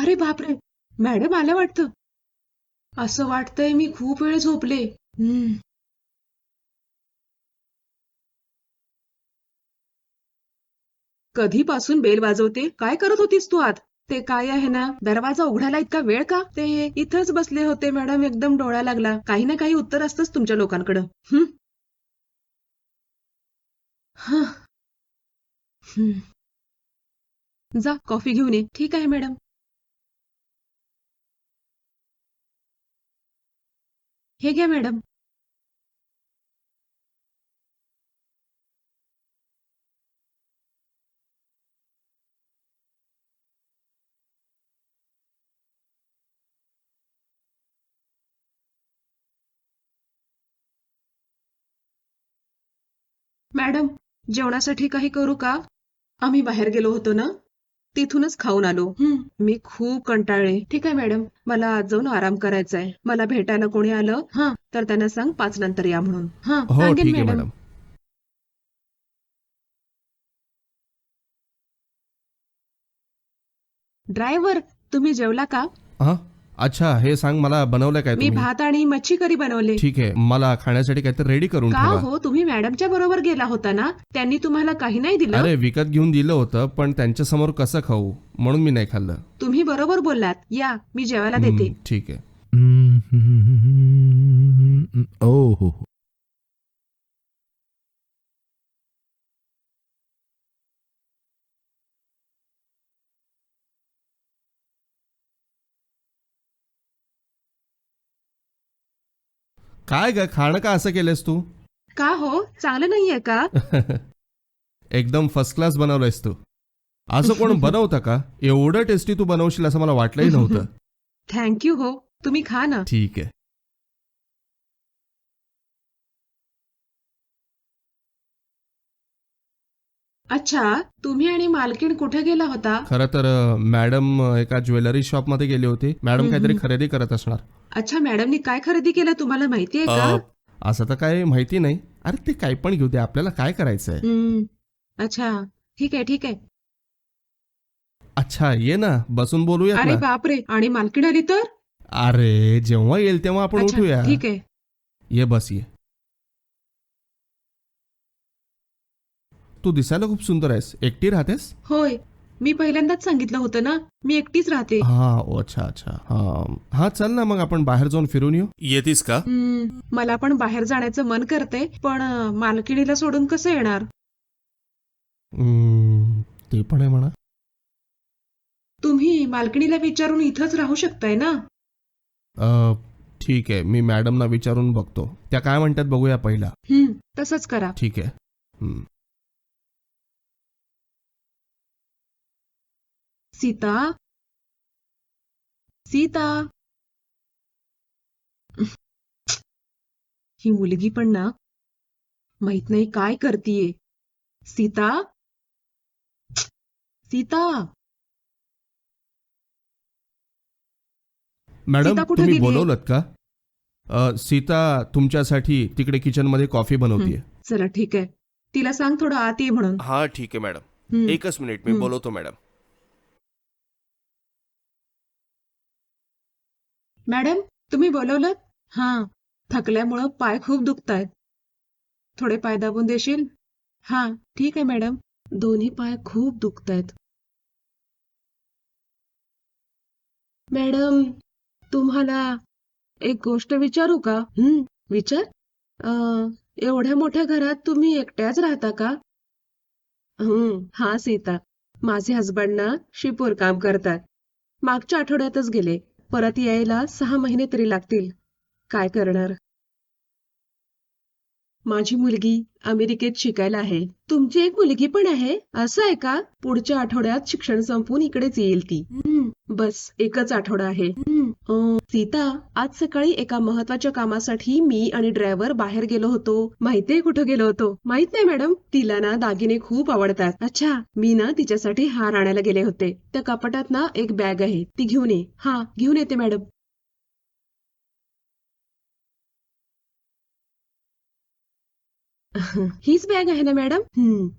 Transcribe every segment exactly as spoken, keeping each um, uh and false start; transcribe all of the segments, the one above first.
अरे बापरे, मॅडम आल्या वाटतं. असं वाटतंय मी खूप वेळ झोपले. हम्म. कधीपासून बेल वाजवते? काय करत होतीस तू आत? ते काय आहे ना, दरवाजा उघडायला इतका वेळ का? ते इथंच बसले होते मॅडम, एकदम डोळा लागला. काही ना काही उत्तर असतंच तुमच्या लोकांकडं. हं? हं. हं. जा कॉफी घेऊन ये. ठीक आहे मॅडम. हे घ्या मॅडम. मॅडम, जेवणासाठी काही करू का? आम्ही बाहेर गेलो होतो ना, तिथूनच खाऊन आलो. हं. मी खूप कंटाळले. ठीक आहे मॅडम, मला आज जाऊन आराम करायचा आहे. मला भेटायला कोणी आलं हां तर त्यांना सांग पाच नंतर या म्हणून. हां, हो सांगेन ठीक आहे मॅडम. मॅडम. ड्रायव्हर, तुम्ही जेवला का? हां, अच्छा हे सांग मला बनवलं काय मी तुम्ही? भात आणि मच्छी करी बनवले. ठीक आहे, मला खाण्यासाठी काहीतरी रेडी करून का ठेवा. हो, तुम्ही मॅडमच्या बरोबर गेला होता ना, त्यांनी तुम्हाला काही नाही दिलं? अरे विकत घेऊन दिलं होतं पण त्यांच्यासमोर कसं खाऊ म्हणून मी नाही खाल्लं. तुम्ही बरोबर बोललात. या, मी जेवायला हं, देते. ठीक आहे. ओ हो हो. काय ग खाणं का असं केलंस तू? का हो, चांगलं नाहीये का? एकदम फर्स्ट क्लास बनवलंयस तू. असं कोण बनवतं का? एवढं टेस्टी तू बनवशील असं मला वाटलंही नव्हतं. थँक यू हो, तुम्ही खा ना. ठीक आहे. अच्छा, तुम्ही आणि मालकीण कुठे गेला होता? खरं तर अ, मॅडम अ, एका ज्वेलरी शॉपमध्ये गेली होती. मॅडम हं, काहीतरी हं. खरेदी करत असणार. अच्छा, मॅडमनी काय खरेदी केलं तुम्हाला माहितीये का? अ, असं तर काही माहिती नाही. अरे ते काही पण घेऊ दे, आपल्याला काय करायचंय? हं. अच्छा, ठीक आहे, ठीक आहे. अच्छा ये ना, बसून बोलूयात अरे ना. बापरे, आणि मालकीण आली तर? अरे जेव्हा येईल तेव्हा आपण अच्छा, उठूया. ठीक आहे. ये बस ये. तू दिसायला खूप सुंदर आहेस. एकटी राहतेस? होय, मी पहिल्यांदाच सांगितलं होतं ना, मी एकटीच राहते. हा ओ, अच्छा अच्छा हा हा चल ना मग आपण बाहेर जाऊन फिरून येऊ. येतीस का? हं, मला पण बाहेर जाण्याचं मन करतंय, पण अ, मालकिणीला सोडून कसं येणार? हम्म, ते पण आहे म्हणा. तुम्ही मालकिणीला विचारून इथंच राहू शकताय ना? अ, ठीक आहे मी मॅडमना विचारून बघतो. त्या काय म्हणतात बघूया पहिला. हं, तसंच करा. ठीक आहे. हम्म. सीता, सीता. ही मुलगी पण ना, माहित नाही काय करतीये. सीता, सीता, मॅडम सीता कुठे तुम्ही गेलीये? बोलवलत का? अ, सीता तुमच्यासाठी तिकडे किचनमध्ये कॉफी हं, बनवतीये. चला ठीक आहे. तिला सांग थोडं आत ये म्हणून. हा ठीक आहे मॅडम. हं, एकच मिनिट मी हं. बोलवतो मॅडम. मॅडम, तुम्ही बोलवलं? हां, थकल्यामुळं पाय खूप दुखतायत. थोडे पाय दाबून देशील? हां, ठीक आहे मॅडम. दोन्ही पाय खूप दुखतायत. मॅडम, तुम्हाला एक गोष्ट विचारू का? हं, विचार. अ, एवढ्या मोठ्या घरात तुम्ही एकट्याच राहता का? हं, हा सीता. माझे हसबंड ना शिपूर काम करतात. मागच्या आठवड्यातच गेले. परत यायला सहा महिने तरी लागतील. काय करणार? माझी मुलगी अमेरिकेत शिकायला आहे. तुमची एक मुलगी पण आहे? असं आहे का? पुढच्या आठवड्यात शिक्षण संपवून इकडेच येईल ती. हं, बस एकच आठवडा आहे. हं, अं, सीता, आज सकाळी एका महत्वाच्या कामासाठी मी आणि ड्रायव्हर बाहेर गेलो होतो. माहितीये कुठं गेलो होतो? माहित नाही मॅडम. तिला ना दागिने खूप आवडतात. अच्छा, मी ना तिच्यासाठी हार आणायला गेले होते. त्या कपाटात ना एक बॅग आहे, ती घेऊन ये. हा, घेऊन येते मॅडम. हीच बॅग आहे ना मॅडम? हं.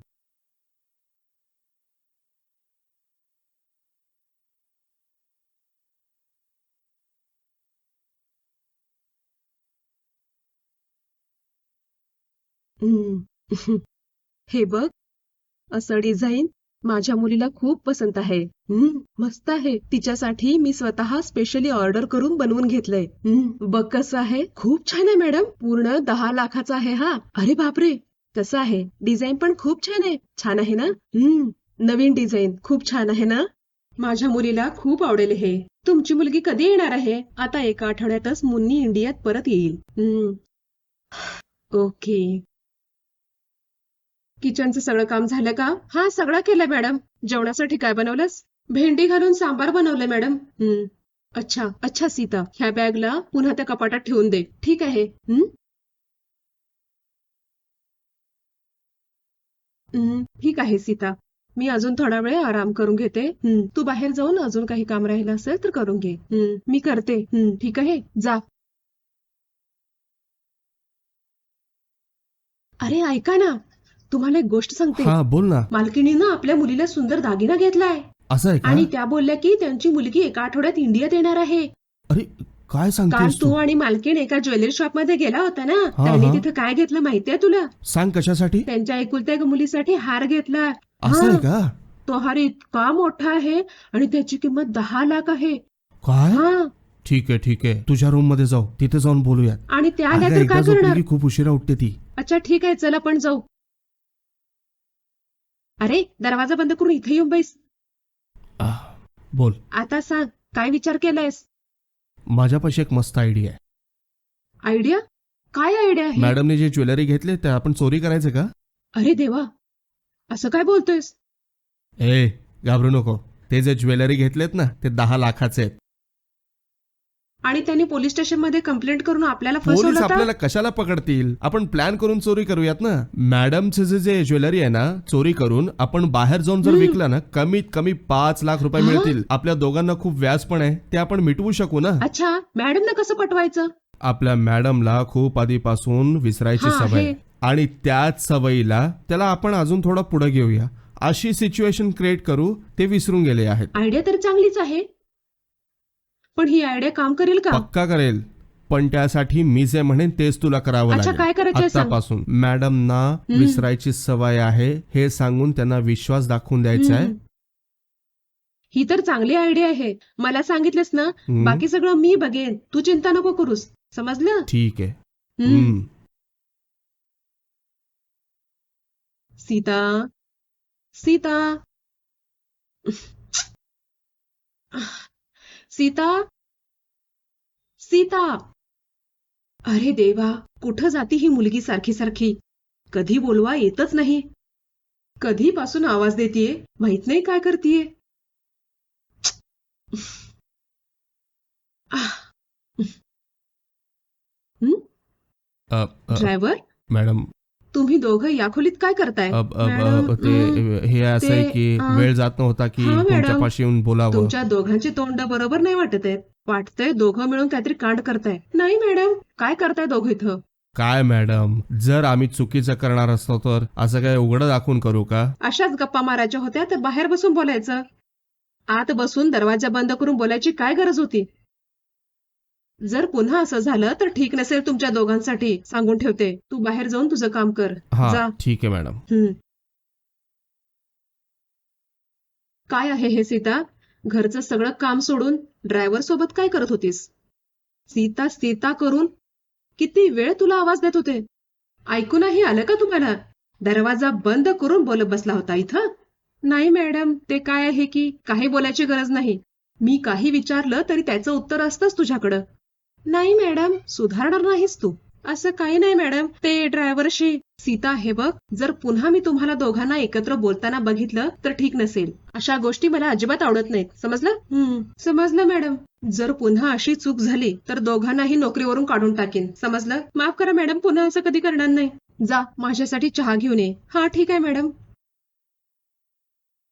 हम्म. हे बघ, असं डिझाईन माझ्या मुलीला खूप पसंत आहे. हम्म, मस्त आहे. तिच्यासाठी मी स्वतः स्पेशली ऑर्डर करून बनवून घेतलंय. हम्म, बघ कसं आहे. खूप छान आहे मॅडम. पूर्ण दहा लाखाचा आहे हा. अरे बापरे, कसं आहे. डिझाईन पण खूप छान आहे. छान आहे ना? हम्म, नवीन डिझाईन खूप छान आहे ना? माझ्या मुलीला खूप आवडेल हे. तुमची मुलगी कधी येणार आहे? आता एका आठवड्यातच मुन्नी इंडियात परत येईल. हम्म, ओके. किचनचं सगळं काम झालं का? हा, सगळं केलंय मॅडम. जेवणासाठी काय बनवलंस? भेंडी घालून सांबार बनवलंय मॅडम. हम्म, अच्छा अच्छा सीता, ह्या बॅगला पुन्हा त्या कपाटात ठेवून दे. ठीक आहे. हम्म, हम्म, ठीक आहे सीता. मी अजून थोडा वेळ आराम करून घेते. हम्म, तू बाहेर जाऊन अजून काही काम राहिलं असेल तर करून घे. हम्म, मी करते. हम्म, ठीक आहे, जा. अरे ऐका ना, तुम्हाला एक गोष्ट सांगते. हा, बोल ना. मालकिणीनं आपल्या मुलीला सुंदर दागिना घेतलाय असं आहे का? आणि त्या बोलल्या की त्यांची मुलगी एका आठवड्यात इंडियात येणार आहे. अरे, काय काल सांगतेस तू तू? आणि मालकीण एका ज्वेलरी शॉप मध्ये गेला होता ना, हा, त्यांनी हा. तिथे काय घेतलं माहितीये तुला? सांग कशासाठी? त्यांच्या एकुलत्या एका मुलीसाठी हार घेतला. असं हा, आहे का? तो हार इतका मोठा आहे आणि त्याची किंमत दहा लाख आहे. काय? हा, ठीक आहे ठीक आहे, तुझ्या रूम मध्ये जाऊ, तिथे जाऊन बोलूयात. आणि त्या आल्या अगं, तर एकदा काय झोपली करणार? की खूप उशिरा उठते ती. अच्छा ठीक आहे, चल आपण जाऊ. अरे, दरवाजा बंद करून इथे येऊन बैस. आह, बोल. आता सांग, काय विचार केलायस? माझ्यापाशी एक मस्त आयडिया आहे. आयडिया? काय आयडिया आहे? मॅडमने जे ज्वेलरी घेतले ते आपण चोरी करायचे का? अरे देवा, असं काय बोलतोयस? ए, घाबरू नको. ते जे ज्वेलरी घेतलेत ना, ते दहा लाखाचे आहेत. आणि त्यांनी पोलीस स्टेशन मध्ये कंप्लेंट करून आपल्याला पोलीस फसवलं तर? आपल्याला कशाला पकडतील? आपण प्लॅन करून चोरी करूयात ना. मॅडमचे जे जे ज्वेलरी आहे ना, चोरी करून आपण बाहेर जाऊन जर हम्म. विकलं ना, कमीत कमी पाच लाख रुपये हा? मिळतील. आपल्या दोघांना खूप व्याज पण आहे, ते आपण मिटवू शकू ना. अच्छा, मॅडमनं कसं पटवायचं? आपल्या मॅडमला खूप आधीपासून विसरायची हा, सवय आहे. आहे. आणि त्याच सवयीला त्याला आपण अजून थोडं पुढे घेऊया. अशी सिच्युएशन क्रिएट करू, ते विसरून गेले आहेत. आयडिया तर चांगलीच आहे, पण ही आयडिया काम करेल का? पक्का करेल, पण त्यासाठी मी जे म्हणेन तेच तुला करावं अच्छा, लागेल. काय करायचंय सांग. आतापासून मॅडमना विसरायची सवय आहे हे सांगून त्यांना विश्वास दाखवून द्यायचा आहे. हम्म. ही तर चांगली आयडिया आहे. मला सांगितलंस ना, हम्म. बाकी सगळं मी बघेन. तू चिंता नको करूस, समजलं? ठीक आहे. हम्म. हम्म. सीता, सीता, सीता, सीता. अरे देवा, कुठं जाती ही मुलगी सारखी सारखी? कधी बोलवा येतच नाही. कधीपासून आवाज देतीये, माहित नाही काय करतीये. हं? अ, अ, ड्रायव्हर, मॅडम, तुम्ही दोघं या खोलीत काय करताय? अब- अब- मॅडम, अब- ते हं, हे असं आहे ते, की अं, वेळ जात नव्हता की हा, मॅडम. तुमच्यापाशी येऊन बोलावं. तुमच्या दोघांची तोंड बरोबर नाही वाटत आहेत. वाटतंय दोघं मिळून काहीतरी कांड करताय. नाही मॅडम, काय करताय दोघं इथं? काय मॅडम, जर आम्ही चुकीचं करणार असतो तर असं काय उघडं दाखवून करू का? अशाच गप्पा मारायच्या होत्या तर बाहेर बसून बोलायचं. आत बसून दरवाजा बंद करून बोलायची काय गरज होती? जर पुन्हा असं झालं तर ठीक नसेल तुमच्या दोघांसाठी, सांगून ठेवते. तू बाहेर जाऊन तुझं काम कर. हा, जा. ठीक आहे मॅडम. हं. काय आहे हे सीता? घरचं सगळं काम सोडून ड्रायव्हर सोबत काय करत होतीस? सीता सीता करून किती वेळ तुला आवाज देत होते. ऐकू नाही आलं का तुम्हाला? दरवाजा बंद करून बोलत बसला होता इथं? नाही मॅडम, ते काय आहे की काही बोलायची गरज नाही. मी काही विचारलं तरी त्याचं उत्तर असतंच तुझ्याकडं. नाही मॅडम, सुधारणार नाहीस तू. असं काही नाही मॅडम, ते ड्रायव्हरशी. सीता हे बघ, जर पुन्हा मी तुम्हाला दोघांना एकत्र बोलताना बघितलं तर ठीक नसेल. अशा गोष्टी मला अजिबात आवडत नाहीत, समजलं? हम्म, समजलं मॅडम. जर पुन्हा अशी चूक झाली तर दोघांनाही नोकरीवरून काढून टाकेन, समजलं? माफ करा मॅडम, पुन्हा असं कधी करणार नाही. जा, माझ्यासाठी चहा घेऊन ये. हा ठीक आहे मॅडम.